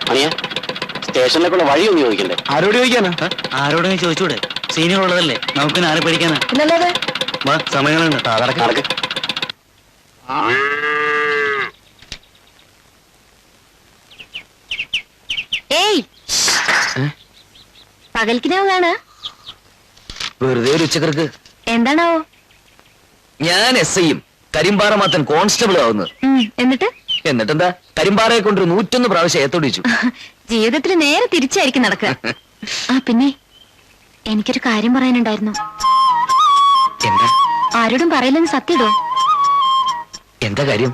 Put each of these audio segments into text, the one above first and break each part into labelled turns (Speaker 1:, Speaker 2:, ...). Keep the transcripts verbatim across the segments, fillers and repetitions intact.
Speaker 1: അനിയ സ്റ്റേഷനിലേക്കുള്ള വഴി ഒന്ന് ചോദിക്കണ്ടേ?
Speaker 2: ആരോട് ചോദിക്കാനാ?
Speaker 3: ആരോടെങ്കിലും ചോദിച്ചൂടെ? സീനിയർ ഉള്ളതല്ലേ, നമുക്ക് ആരെ പഠിക്കാനാ?
Speaker 4: പിന്നല്ലാതെ
Speaker 3: വാ, സമയങ്ങളുണ്ട്.
Speaker 1: നടക്ക് നടക്ക്.
Speaker 4: ഏയ് പകൽക്കിനാവാണ്
Speaker 2: വെറുതെ ഒരു ഉച്ചക്കർക്ക്.
Speaker 4: എന്താണാവോ?
Speaker 2: ഞാൻ എസ് ഐയും കരിമ്പാറ മാത്തൻ കോൺസ്റ്റബിൾ ആവുന്നത്.
Speaker 4: എന്നിട്ട്
Speaker 2: എന്നിട്ടെന്താ, കരിമ്പാറയെ കൊണ്ടൊരു നൂറ്റൊന്ന് പ്രാവശ്യം ഏത്തോടിച്ചു.
Speaker 4: ജീവിതത്തിൽ നേരെ തിരിച്ചായിരിക്കും നടക്കുക. ആ പിന്നെ എനിക്കൊരു കാര്യം പറയാനുണ്ടായിരുന്നു.
Speaker 2: എന്താ?
Speaker 4: ആരോടും പറയില്ലെന്ന് സത്യടോ.
Speaker 2: എന്താ കാര്യം?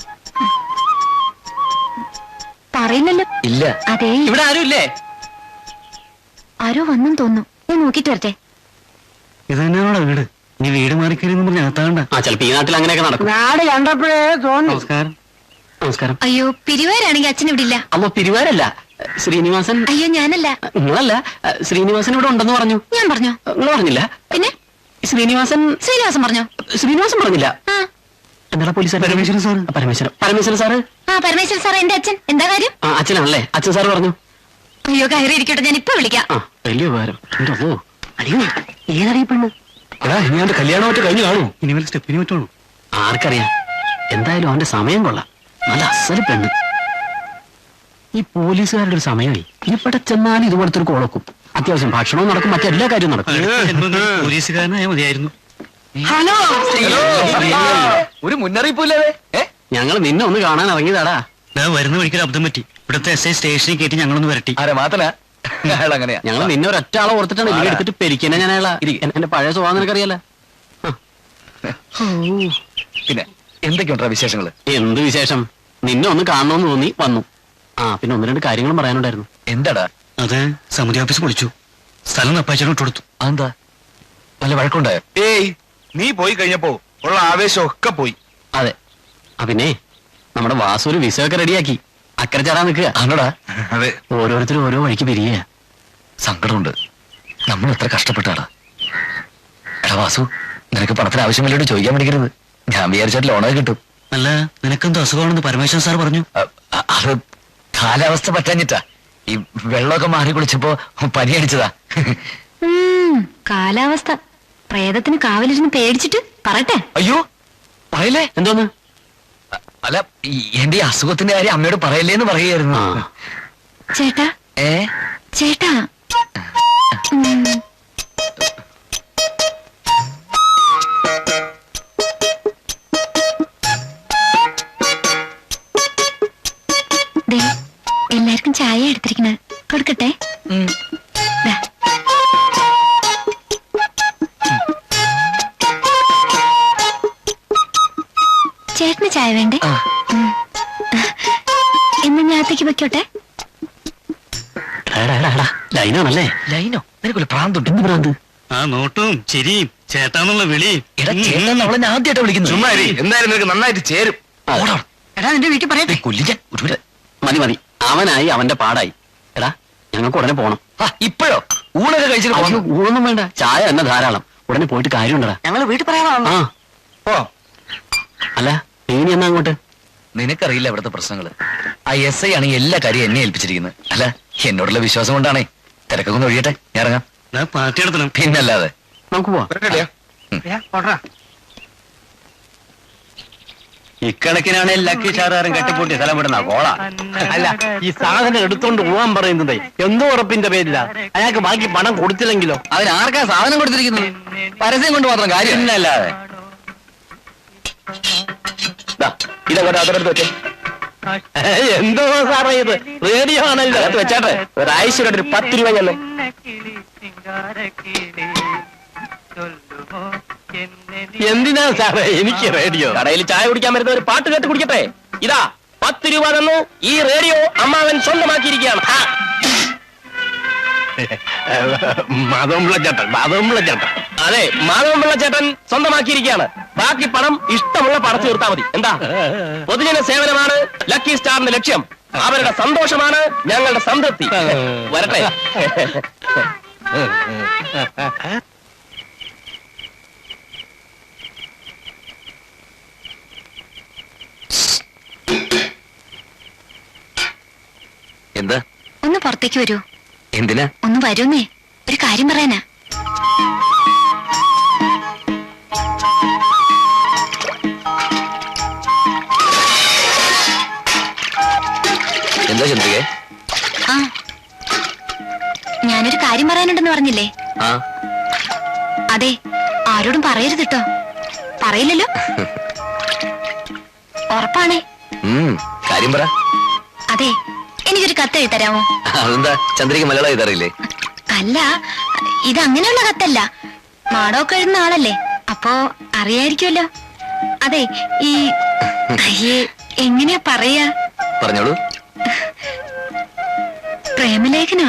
Speaker 4: പറയില്ലല്ലോ.
Speaker 2: ഇല്ല.
Speaker 4: അതെ,
Speaker 2: ഇവിടെ ആരും ഇല്ലേ?
Speaker 4: ആരോ വന്നും തോന്നുന്നു. ഞാൻ നോക്കിട്ട് വരട്ടെ.
Speaker 3: ഇത് തന്നെയാണോ വീട്? നീ വീട് മാറിക്കരുന്ന് പറഞ്ഞ അകത്താണ്ട.
Speaker 1: ആ ചിലപ്പോ ഈ നാട്ടിൽ അങ്ങനെയൊക്കെ നടക്കും.
Speaker 5: നാട് കണ്ടപ്പോഴേ തോന്നി.
Speaker 3: നമസ്കാരം.
Speaker 1: നമസ്കാരം.
Speaker 4: അയ്യോ, പിരിവാരാണെങ്കിൽ അച്ഛൻ ഇവിടെ ഇല്ല.
Speaker 1: അമ്മ പിരിവാരല്ല, ശ്രീനിവാസൻ.
Speaker 4: അയ്യോ, ഞാനല്ല.
Speaker 1: നിങ്ങളല്ല, ശ്രീനിവാസൻ ഇവിടെ ഉണ്ടെന്ന് പറഞ്ഞു.
Speaker 4: ഞാൻ പറഞ്ഞോ?
Speaker 1: നിങ്ങൾ പറഞ്ഞില്ല.
Speaker 4: പിന്നെ
Speaker 1: ശ്രീനിവാസൻ
Speaker 4: ശ്രീനിവാസം പറഞ്ഞോ?
Speaker 1: ശ്രീനിവാസൻ പറഞ്ഞില്ല.
Speaker 4: ആ
Speaker 1: എന്താ police?
Speaker 3: Parameswaran sir.
Speaker 1: Parameswaran Parameswaran sir.
Speaker 4: ആ പരമേശ്വരൻ സാർ എന്റെ അച്ഛൻ. എന്താ കാര്യം?
Speaker 1: ആ അച്ഛനാണല്ലേ. അച്ഛൻ സാറ് പറഞ്ഞു.
Speaker 4: അയ്യോ, കയറി ഇരിക്കട്ടെ, ഞാൻ ഇപ്പൊ വിളിക്കാം.
Speaker 1: ആ വലിയ ഉപകാരം. ഓ അയ്യോ, ഏതറിയപ്പെണ്ണു?
Speaker 3: എടാ, ഇനി അവന്റെ കല്യാണം മറ്റു കഴിഞ്ഞു കാണൂ. ഇനി വല്ല സ്റ്റെപ്പിന് പറ്റുള്ളൂ.
Speaker 1: ആർക്കറിയാം. എന്തായാലും അവന്റെ സമയം കൊള്ളാം. നല്ല അസല് പെണ്ണ്. ഈ പോലീസുകാരുടെ ഒരു സമയമായി. ഇവിടെ ചെന്നാലും ഇതുപോലത്തെ ഒരു കോളക്കും. അത്യാവശ്യം ഭക്ഷണവും നടക്കും, മറ്റെല്ലാ കാര്യവും നടക്കും.
Speaker 3: പോലീസുകാരനായ മതിയായിരുന്നു.
Speaker 5: ഹലോ,
Speaker 2: ഒരു മുന്നറിയിപ്പില്ലാതെ
Speaker 1: ഞങ്ങൾ നിന്നെ ഒന്ന് കാണാൻ ഇറങ്ങിയതാടാ.
Speaker 3: വരുന്ന വഴിക്കൊരു അബദ്ധം പറ്റി. ഇവിടുത്തെ എസ് ഐ സ്റ്റേഷനിൽ കയറ്റി ഞങ്ങളൊന്ന് വരട്ടി.
Speaker 2: ആരെ മാത്തനാ? അങ്ങനെയാ.
Speaker 1: ഞങ്ങൾ നിന്നെ ഒരൊറ്റ ആളെ ഓർത്തിട്ടാണ് ഇവിടെ എടുത്തിട്ട് പെരിക്കന്നെ. ഞാൻ അയാളാ. എന്റെ പഴയ സ്വഭാവം നിനക്കറിയാലോ.
Speaker 2: പിന്നെ എന്തൊക്കെയുണ്ടാ വിശേഷങ്ങള്?
Speaker 1: എന്ത് വിശേഷം? നിന്നെ ഒന്ന് കാണണമെന്ന് തോന്നി വന്നു. ആ പിന്നെ ഒന്ന് രണ്ട് കാര്യങ്ങളും പറയാനുണ്ടായിരുന്നു.
Speaker 2: എന്താടാ?
Speaker 3: അത് സമിതി ഓഫീസ് പൊളിച്ചു. സ്ഥലം നപ്പാച്ചനും ഇട്ട് കൊടുത്തു.
Speaker 2: അതെന്താ, വല്ല വഴക്കുണ്ടായോ?
Speaker 6: ഏയ്, നീ പോയി കഴിഞ്ഞപ്പോ ഉള്ള ആവേശം ഒക്കെ പോയി.
Speaker 1: അതെ. ആ പിന്നെ നമ്മുടെ വാസു ഒരു വിസ ഒക്കെ റെഡിയാക്കി അക്കരെ ചാടാൻ നിൽക്കുക.
Speaker 2: ആണോടാ?
Speaker 6: അതെ,
Speaker 1: ഓരോരുത്തരും ഓരോ വഴിക്ക് പിരിയുക.
Speaker 2: സങ്കടമുണ്ട്. നമ്മൾ എത്ര കഷ്ടപ്പെട്ടാടാ. എടാ വാസു, നിനക്ക് പണത്തിന് ആവശ്യമില്ലോട്ട് ചോദിക്കാൻ പഠിക്കരുത്. ഞാൻ വിചാരിച്ചാൽ ലോണൊക്കെ കിട്ടും.
Speaker 3: അല്ല, നിനക്കെന്തോ അസുഖമാണെന്ന് പരമേശ്വരൻ സാർ പറഞ്ഞു.
Speaker 2: അ- അ- അത് കാലാവസ്ഥ പറ്റാഞ്ഞിട്ടാ. ഈ വെള്ളമൊക്കെ മാറി കുളിച്ചപ്പോ പനി അടിച്ചതാ.
Speaker 4: ഉം, കാലാവസ്ഥ. പ്രേതത്തിന് കാവലിരുന്ന് പേടിച്ചിട്ട് പറയട്ടെ.
Speaker 2: അയ്യോ പറയല്ലേ.
Speaker 1: എന്തോന്ന്?
Speaker 2: അ- അല്ല, ഈ- എന്റെ ഈ അസുഖത്തിന്റെ കാര്യം അമ്മയോട് പറയല്ലേന്ന് പറയായിരുന്നു.
Speaker 1: ആ
Speaker 4: ചേട്ടാ,
Speaker 2: ഏ
Speaker 4: ചേട്ടാ. ഉം. ദേ, എല്ലാവർക്കും ചായ എടുത്തിരിക്കണ കൊടുക്കട്ടെ.
Speaker 2: ഉം.
Speaker 4: ദാ. ചേട്ടന് ചായ വേണ്ടേ?
Speaker 2: ആ.
Speaker 4: ഉം. എന്നാ ഞാത്തേക്ക് വെക്കോട്ടെ.
Speaker 1: ലൈനാണല്ലേ?
Speaker 2: ലൈനോ? നിനക്കൊരു പ്രാന്തുണ്ട്.
Speaker 1: എന്ത് ഭ്രാന്ത്?
Speaker 3: ആ നോട്ടും ചിരിയും ചേട്ടാന്നുള്ള വിളി.
Speaker 2: എടാ ചേട്ടൻ അവളെ ഞാൻ ആദ്യമായിട്ട് വിളിക്കുന്നു.
Speaker 6: ചുമ്മാ ഇരി. എന്തായാലും നിനക്ക് നന്നായിട്ട് ചേരും.
Speaker 2: ഓടാ.
Speaker 4: എടാ, നിന്റെ വീട്ടിൽ പറയട്ടെ.
Speaker 2: കൊല്ലിക്കാൻ ഒരു
Speaker 1: മതി മതി. അവനായി അവന്റെ പാടായി. എടാ ഞങ്ങൾക്ക് ഉടനെ പോണം.
Speaker 2: ഇപ്പോഴോ? ഊണൊക്കെ കഴിച്ചിട്ട്
Speaker 1: അയ്യോ,
Speaker 2: പോണം.
Speaker 1: ഊണൊന്നും വേണ്ട, ചായ തന്നെ ധാരാളം. ഉടനെ പോയിട്ട് കാര്യമുണ്ടടാ.
Speaker 5: ഞങ്ങള് വീട്ടിൽ പറയാനാണ്.
Speaker 1: ആ
Speaker 6: ഓ
Speaker 1: അല്ല, നീ എന്നാ അങ്ങോട്ട്?
Speaker 2: നിനക്കറിയില്ല ഇവിടുത്തെ പ്രശ്നങ്ങള്. ആ എസ് ഐ ആണ് എല്ലാ കാര്യവും എന്നെ ഏൽപ്പിച്ചിരിക്കുന്നത്. അല്ല, എന്നോടുള്ള വിശ്വാസം കൊണ്ടാണേ. തിരക്കൊക്കെ ഒന്ന് ഒഴിയട്ടെ, ഞാൻ ഇറങ്ങാം.
Speaker 3: പാർട്ടി നടത്തണം.
Speaker 2: പിന്നല്ലാതെ.
Speaker 1: നമുക്ക് പോവാം.
Speaker 3: ഇക്കണക്കിനാണ് ലക്കി ഷാറുകാരൻ കെട്ടിപ്പൂട്ടി സ്ഥലം വിടുന്ന കോള.
Speaker 5: അല്ല, ഈ സാധനം എടുത്തോണ്ട് പോവാൻ പറയുന്നത് എന്തോ ഉറപ്പിന്റെ പേരില്ല. അയാൾക്ക് ബാക്കി പണം കൊടുത്തില്ലെങ്കിലോ?
Speaker 2: അതിനാർക്കാ സാധനം കൊടുത്തിരിക്കുന്നത്? പരസ്യം കൊണ്ട് മാത്രം കാര്യം.
Speaker 1: പിന്നല്ലാതെ. ഇതങ്ങോട്ട് അതിനടുത്ത് വെച്ചേ.
Speaker 5: എന്തോ സാറേ ഇത്? റേഡിയോ ആണല്ലോ.
Speaker 1: അകത്ത് വെച്ചാട്ടെ. ഒരാഴ്ചയുടെ ഒരു പത്ത് രൂപ ചെല്ലേ.
Speaker 5: എന്തിനാ സാറേ എനിക്ക് റേഡിയോ?
Speaker 1: കടയിൽ ചായ കുടിക്കാൻ വരുന്ന ഒരു പാട്ട് കേട്ട് കുടിക്കട്ടെ. ഇതാ പത്ത് രൂപ തന്നു. ഈ റേഡിയോ അമ്മാവൻ സ്വന്തമാക്കിയിരിക്കുകയാണ്.
Speaker 5: മാധവൻപിള്ള ചേട്ടൻ, മാധവൻപിള്ള ചേട്ടൻ.
Speaker 1: അതെ, മാധവൻപിള്ള ചേട്ടൻ സ്വന്തമാക്കിയിരിക്കുകയാണ്. ബാക്കി പണം ഇഷ്ടമുള്ള പടച്ചു തീർത്താൽ മതി. എന്താ? പൊതുജന സേവനമാണ് ലക്കി സ്റ്റാറിന്റെ ലക്ഷ്യം. അവരുടെ സന്തോഷമാണ് ഞങ്ങളുടെ സംതൃപ്തി. വരട്ടെ.
Speaker 2: എന്താ?
Speaker 4: ഒന്ന് പുറത്തേക്ക് വരൂ.
Speaker 2: എന്തിനാ?
Speaker 4: ഒന്ന് വരൂന്നേ, ഒരു കാര്യം പറയാനാ.
Speaker 2: എന്താ ചന്ദ്രികേ?
Speaker 4: ആ, ഞാനൊരു കാര്യം പറയാനുണ്ടെന്ന് പറഞ്ഞില്ലേ?
Speaker 2: ആ,
Speaker 4: അതെ, ആരോടും പറയരുത് കേട്ടോ. പറയില്ലല്ലോ? ഉറപ്പാണേ?
Speaker 2: ഉം, കാര്യം പറ.
Speaker 4: അതെ, എനിക്കൊരു കത്ത് എഴുതരാമോ?
Speaker 2: അതെന്താ, ചന്ദ്രിക മലയാളം എഴുതാറില്ലേ?
Speaker 4: അല്ല, ഇത് അങ്ങനെയുള്ള കത്തല്ല. മാടമൊക്കെ എഴുതുന്ന ആളല്ലേ, അപ്പോ അറിയായിരിക്കുമല്ലോ. അതെ, ഈ അയ്യേ, എങ്ങനെയാ പറയാ?
Speaker 2: പറഞ്ഞോളൂ.
Speaker 4: പ്രേമലേഖനാ.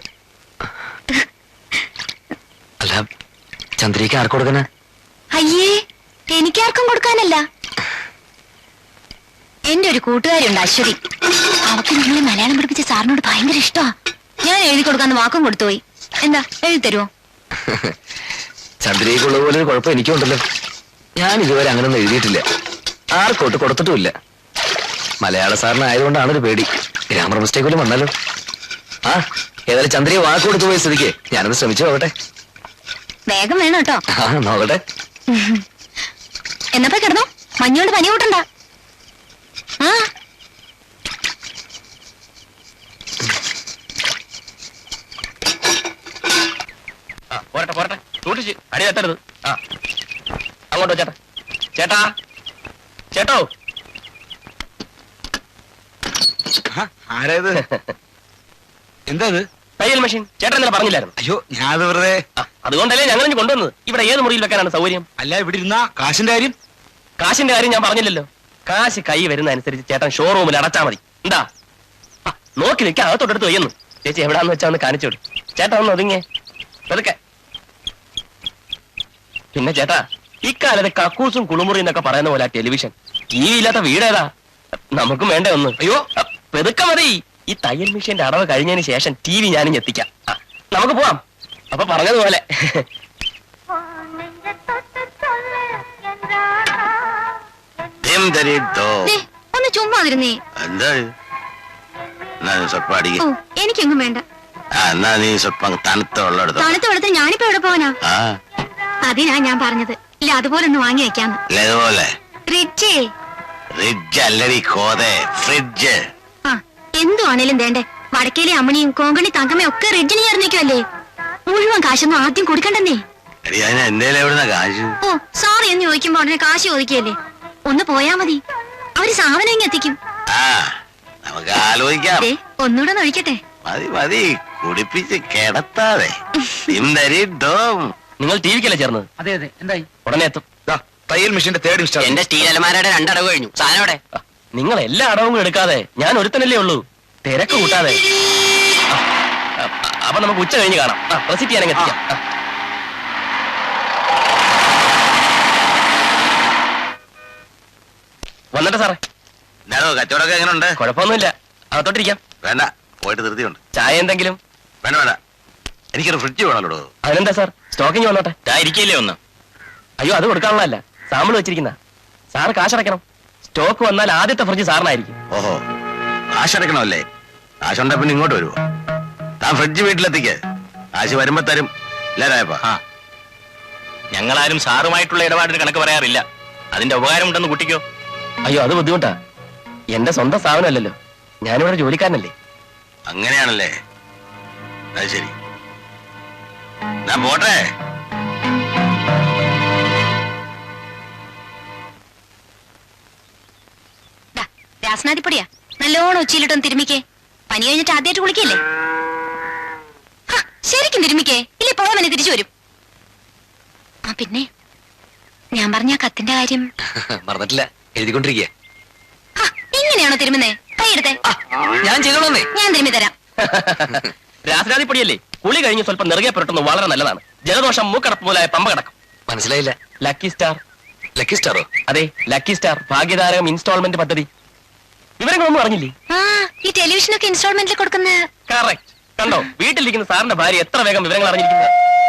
Speaker 2: അല്ല, ചന്ദ്രിക ആർക്ക് കൊടുക്കണ?
Speaker 4: അയ്യേ, എനിക്കാർക്കും കൊടുക്കാനല്ല. എന്റെ ഒരു കൂട്ടുകാരിയുണ്ട്, അശ്വതി. അവക്ക് നിങ്ങളെ മലയാളം പഠിപ്പിച്ച സാറിനോട് ഭയങ്കര ഇഷ്ടമാ. ഞാൻ എഴുതി കൊടുക്കാന്ന് വാക്കും കൊടുത്തുപോയി. എന്താ, എഴുതി തരുമോ?
Speaker 2: ചന്ദ്രികയ്ക്കുള്ള പോലെ ഒരു കുഴപ്പം എനിക്കുണ്ടല്ലോ. ഞാൻ ഇതുവരെ അങ്ങനൊന്നും എഴുതിയിട്ടില്ല, ആർക്കോട്ട് കൊടുത്തിട്ടുമില്ല. മലയാള സാറിനായതുകൊണ്ടാണ് ഒരു പേടി, ഗ്രാമർ മിസ്റ്റേക്ക് പോലും വന്നാലോ. ആ, ഏതായാലും ചന്ദ്രിക വാക്ക് കൊടുത്തു പോയ സ്ഥിതിക്ക് ഞാനത് ശ്രമിച്ചു നോക്കട്ടെ.
Speaker 4: വേഗം വേണം കേട്ടോ.
Speaker 2: ആ, നോക്കട്ടെ.
Speaker 4: എന്നപ്പോ കിടന്നോ, മഞ്ഞോണ്ട് പനി കൂട്ടണ്ട. ആ,
Speaker 5: പോരട്ടെ പോരട്ടെ, സൂക്ഷിച്ച് അടി തട്ടരുത്. ആ, അങ്ങോട്ടോ ചേട്ടാ. ചേട്ടാ ചേട്ടോ.
Speaker 6: ആരായത്? എന്താ ഇത്?
Speaker 5: തയ്യൽ മെഷീൻ ചേട്ടൻ ഇന്നലെ പറഞ്ഞില്ലായിരുന്നു?
Speaker 6: അയ്യോ, ഞാൻ വെറുതെ.
Speaker 5: ആ, അതുകൊണ്ടല്ലേ ഞങ്ങൾ ഇനി കൊണ്ടുവന്നത്. ഇവിടെ ഏത് മുറിയിൽ വെക്കാനാണ് സൗകര്യം?
Speaker 6: അല്ല, ഇവിടെ ഇരുന്ന കാശിന്റെ കാര്യം.
Speaker 5: കാശിന്റെ കാര്യം ഞാൻ പറഞ്ഞില്ലല്ലോ. കാശ് കൈ വരുന്ന അനുസരിച്ച് ചേട്ടൻ ഷോറൂമിൽ അടച്ചാ മതി. എന്താ? ആ, നോക്കി നിൽക്കാൻ അകത്തോട്ടെടുത്ത് വയ്യുന്നു. ചേച്ചി എവിടാന്ന് വെച്ചാ ഒന്ന് കാണിച്ചു വിടും. ചേട്ടാ ഒന്ന് ഒതുങ്ങിയേ, പതുക്കെ. പിന്നെ ചേട്ടാ, ഇക്കാലത്ത് കക്കൂസും കുളിമുറി എന്നൊക്കെ പറയുന്ന പോലെ ടെലിവിഷൻ ടി വി ഇല്ലാത്ത വീടേതാ? നമുക്കും വേണ്ടേ ഒന്ന്? അയ്യോ, പെതുക്കെ മതി. ഈ തയ്യൽ മെഷീന്റെ അടവ് കഴിഞ്ഞതിന് ശേഷം ടി വി ഞാനും എത്തിക്കാം. ആ, നമുക്ക് പോവാം. അപ്പൊ പറഞ്ഞതുപോലെ.
Speaker 4: ദേ, ഒന്ന് ചുമ്മാതിരുന്നേ.
Speaker 7: എന്താ സ്വല്പം അടിക്ക.
Speaker 4: ഓ, എനിക്കെങ്ങും വേണ്ട.
Speaker 7: എന്നാ നീ സ്വല്പം തണുത്ത വെള്ളം എടുത്തോ.
Speaker 4: തണുത്ത വെള്ളത്തിൽ ഞാനിപ്പോ എവിടെ പോവാനാ?
Speaker 7: ആ,
Speaker 4: അതിനാ ഞാൻ പറഞ്ഞത്, ഇല്ല അതുപോലെ ഒന്ന് വാങ്ങി വെക്കാന്ന്.
Speaker 7: അല്ല ഇതുപോലെ
Speaker 4: ഫ്രിഡ്ജേ.
Speaker 7: ഫ്രിഡ്ജ് അല്ലടി കോതെ, ഫ്രിഡ്ജ്.
Speaker 4: ആ, എന്തുവാണേലും വേണ്ടേ. വടക്കേലെ അമ്മണിയും കോങ്കണി തങ്കമ്മയും ഒക്കെ റിഡ്ജിന് ചേർന്നിക്കുമല്ലേ. മുഴുവൻ കാശൊന്നും ആദ്യം കൊടുക്കണ്ടെന്നേ.
Speaker 7: എടി, അതിന് എന്റെ എവിടുന്ന കാശ്?
Speaker 4: ഓ, സോറി എന്ന് ചോദിക്കുമ്പോ ഉടനെ കാശ് ചോദിക്കല്ലേ. ഒന്ന് പോയാ മതി, അവര് സാധനം ഇങ്ങ് എത്തിക്കും.
Speaker 7: ആ, നമുക്ക് ആലോചിക്കാം.
Speaker 4: ദേ, ഒന്നുകൂടെ ഒന്ന് ഒഴിക്കട്ടെ.
Speaker 7: മതി മതി, കുടിപ്പിച്ച് കിടത്താതെ. തിന്തരി ഡോം.
Speaker 5: നിങ്ങൾ ടി വിക്കല്ലേ ചേർന്നത്?
Speaker 1: അതെ അതെ, എന്തായി?
Speaker 5: ഉടനെ എത്തും.
Speaker 6: ദാ, തയ്യൽ മെഷീന്റെ തേർഡ് ഇൻസ്റ്റാൾ.
Speaker 2: എന്റെ സ്റ്റീൽ അലമാരയുടെ രണ്ടടവ് കഴിഞ്ഞു. സാധനം അവിടെ.
Speaker 5: ആ, നിങ്ങൾ എല്ലാ അടവും എടുക്കാതെ ഞാൻ ഒരുത്തനല്ലേ ഉള്ളൂ, തിരക്ക് കൂട്ടാതെ. ആ, ആ, അപ്പൊ നമുക്ക് ഉച്ച കഴിഞ്ഞ് കാണാം. ആ, റെസിപ്റ്റ് ചെയ്യാനെങ്കിൽ എത്തിക്കാം. ആ. വന്നിട്ട് സാറേ.
Speaker 7: ഞാനോ, കച്ചവടമൊക്കെ എങ്ങനെയുണ്ട്?
Speaker 5: കുഴപ്പമൊന്നുമില്ല, അകത്തോട്ടിരിക്കാം.
Speaker 7: വേണ്ട, പോയിട്ട് ധൃതിയുണ്ട്.
Speaker 5: ചായ എന്തെങ്കിലും?
Speaker 7: വേണ്ട വേണ്ട, എനിക്കൊരു ഫ്രിഡ്ജ് വേണമല്ലോ.
Speaker 5: അതിനെന്താ സാർ, സ്റ്റോക്കിങ് വന്നോട്ടെ. ഇരിക്കില്ലേ ഒന്ന്? അയ്യോ, അത് കൊടുക്കാനുള്ളതല്ല, സാമ്പിൾ വെച്ചിരിക്കുന്ന. സാറ് കാശടയ്ക്കണം. സ്റ്റോക്ക് വന്നാൽ ആദ്യത്തെ ഫ്രിഡ്ജ് സാറിനായിരിക്കും.
Speaker 7: ഓഹോ, കാശടക്കണമല്ലേ? കാശുണ്ടെ പിന്നെ ഇങ്ങോട്ട് വരുമോ? താൻ ഫ്രിഡ്ജ് വീട്ടിലെത്തിക്ക്, കാശ് വരുമ്പോ തരും. ഇല്ലാരായപ്പാ.
Speaker 5: ഞങ്ങളാരും സാറുമായിട്ടുള്ള ഇടപാടിന് കണക്ക് പറയാറില്ല. അതിന്റെ ഉപകാരം ഉണ്ടെന്ന് കുട്ടിക്കോ? അയ്യോ, അത് ബുദ്ധിമുട്ടാ. എന്റെ സ്വന്തം സ്ഥാപനമല്ലല്ലോ, ഞാനിവിടെ ജോലിക്കാരനല്ലേ.
Speaker 7: അങ്ങനെയാണല്ലേ? അത് ശരി, ഞാൻ പോട്ടെ.
Speaker 4: രാസനാദിപ്പൊടിയാ, നല്ലോണം ഉച്ചയിലിട്ടൊന്ന് തിരുമിക്കേ. പനി കഴിഞ്ഞിട്ട് ആദ്യമായിട്ട് കുളിക്കല്ലേ? ശരിക്കും തിരുമിക്കേ, ഇല്ലേ പോവാൻ തന്നെ തിരിച്ചു വരും. ആ, പിന്നെ ഞാൻ പറഞ്ഞ ആ കത്തിന്റെ കാര്യം
Speaker 2: മറന്നിട്ടില്ല, എഴുതിക്കൊണ്ടിരിക്കുക.
Speaker 4: ഇങ്ങനെയാണോ തിരുമുന്നേ? കൈയെടുത്തേ,
Speaker 2: ഞാൻ ചെയ്തോളന്നേ.
Speaker 4: ഞാൻ തിരുമ്മി തരാം.
Speaker 5: രാസനാദിപ്പൊടിയല്ലേ, കുളി കഴിഞ്ഞ് സ്വല്പം നിറകെ പുരട്ടുന്നത് വളരെ നല്ലതാണ്. ജലദോഷം, മൂക്കടപ്പ് മുതലായ പമ്പ കിടക്കും.
Speaker 2: മനസ്സിലായില്ല.
Speaker 5: Lucky star.
Speaker 2: ലക്കി സ്റ്റാറോ?
Speaker 5: അതെ, ലക്കി സ്റ്റാർ ഭാഗ്യതാരകം ഇൻസ്റ്റാൾമെന്റ് പദ്ധതി. വിവരങ്ങളൊന്നും അറിഞ്ഞില്ലേ?
Speaker 4: ആ, ഈ ടെലിവിഷനൊക്കെ ഇൻസ്റ്റാൾമെന്റിൽ കൊടുക്കുന്ന.
Speaker 5: കറക്റ്റ്. കണ്ടോ, വീട്ടിലിരിക്കുന്ന സാറിന്റെ ഭാര്യ എത്ര വേഗം വിവരങ്ങൾ അറിഞ്ഞിരിക്കുന്നത്.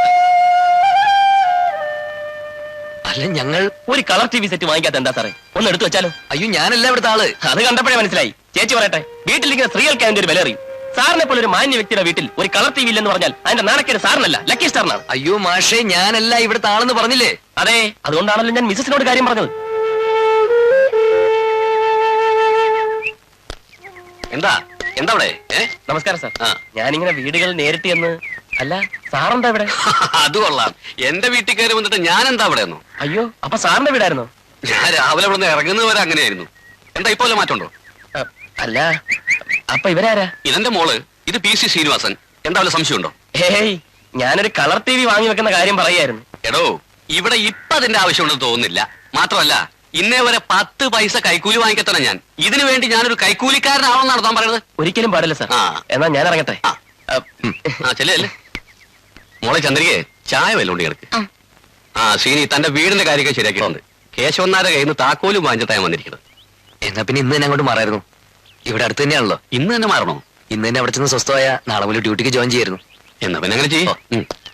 Speaker 2: അല്ല, ഞങ്ങൾ
Speaker 5: ഒരു കളർ ടി വി സെറ്റ് വാങ്ങിക്കാത്ത എന്താ സാറേ? ഒന്ന് എടുത്തു വെച്ചാലോ?
Speaker 2: അയ്യോ, ഞാനല്ല ഇവിടുത്തെ ആള്.
Speaker 5: അത് കണ്ടപ്പോഴേ മനസ്സിലായി. ചേച്ചി പറയട്ടെ, വീട്ടിലിരിക്കുന്ന സ്ത്രീകൾക്ക് അതിന്റെ ഒരു വില അറിയും. സാറിനെ പോലെ ഒരു മാന്യ വ്യക്തിയുടെ വീട്ടിൽ ഒരു കളർ ടി വി ഇല്ലെന്ന് പറഞ്ഞാൽ അതിന്റെ നാണക്കേട് സാറിനല്ല ലക്കി സ്റ്റാറിനാണ്.
Speaker 2: അയ്യോ മാഷേ, ഞാനല്ല ഇവിടുത്തെ ആളെന്ന് പറഞ്ഞില്ലേ?
Speaker 5: അതെ, അതുകൊണ്ടാണല്ലോ ഞാൻ മിസസിനോട് കാര്യം പറഞ്ഞത്.
Speaker 2: എന്താ എന്താ അവിടെ?
Speaker 5: നമസ്കാരം സാർ.
Speaker 2: ആ.
Speaker 5: ഞാനിങ്ങനെ വീടുകൾ നേരിട്ട് എന്ന്. അല്ല, സാറെന്താ ഇവിടെ?
Speaker 2: അത് കൊള്ളാം. എന്റെ വീട്ടിൽ കയറി വന്നിട്ട് ഞാൻ എന്താ അവിടെ ഒന്നു?
Speaker 5: അയ്യോ, അപ്പൊ സാറിന്റെ വീടായിരുന്നോ?
Speaker 2: ഞാൻ രാവിലെ ഇവിടെ നിന്ന് ഇറങ്ങുന്നവരെ അങ്ങനെയായിരുന്നു. എന്താ ഇപ്പോലെ മാറ്റമുണ്ടോ?
Speaker 5: അ, അല്ല, അപ്പൊ ഇവരാരാ?
Speaker 2: ഇതെന്റെ മോള്, ഇത് പി സി ശ്രീനിവാസൻ. എന്താ വല്ല സംശയമുണ്ടോ?
Speaker 5: ഹേയ്, ഞാനൊരു കളർ ടി വി വാങ്ങി വെക്കുന്ന കാര്യം പറയായിരുന്നു.
Speaker 2: എടോ, ഇവിടെ ഇപ്പൊ അതിന്റെ ആവശ്യമുണ്ടെന്ന് തോന്നുന്നില്ല. മാത്രമല്ല, ഇന്നേ വരെ പത്ത് പൈസ കൈക്കൂലി വാങ്ങിക്കത്തന്നെ ഞാൻ. ഇതിനു വേണ്ടി ഞാനൊരു കൈക്കൂലിക്കാരനാണെന്നാണ് താൻ പറയുന്നത്?
Speaker 5: ഒരിക്കലും പാടില്ല സാർ.
Speaker 2: ആ.
Speaker 5: എന്നാ ഞാൻ ഇറങ്ങട്ടെ.
Speaker 2: ആ. ഉം. ആ ചെല്ലേ. മോളെ ചന്ദ്രികയെ ചായ വല്ലോണ്ട് കിടക്ക്.
Speaker 4: ആ.
Speaker 2: ആ ശ്രീനി, തന്റെ വീടിന്റെ കാര്യമൊക്കെ ശരിയാക്കിയിട്ടുണ്ട്. കേശവന്നാരെ കയ്യിൽ നിന്ന് താക്കോലും വാങ്ങിച്ചിട്ടാണ് വന്നിരിക്കുന്നത്. എന്നാ പിന്നെ ഇന്ന് തന്നെ അങ്ങോട്ട് മാറായിരുന്നു. ഇവിടെ അടുത്ത് തന്നെയാണല്ലോ. ഇന്ന് തന്നെ മാറണോ? ഇന്ന് തന്നെ അവിടെ ചെന്ന് സ്വസ്ഥമായ നാളെ മുതൽ ഡ്യൂട്ടിക്ക് ജോയിൻ ചെയ്യായിരുന്നു. എന്നാ പിന്നെ അങ്ങനെ ചെയ്യും.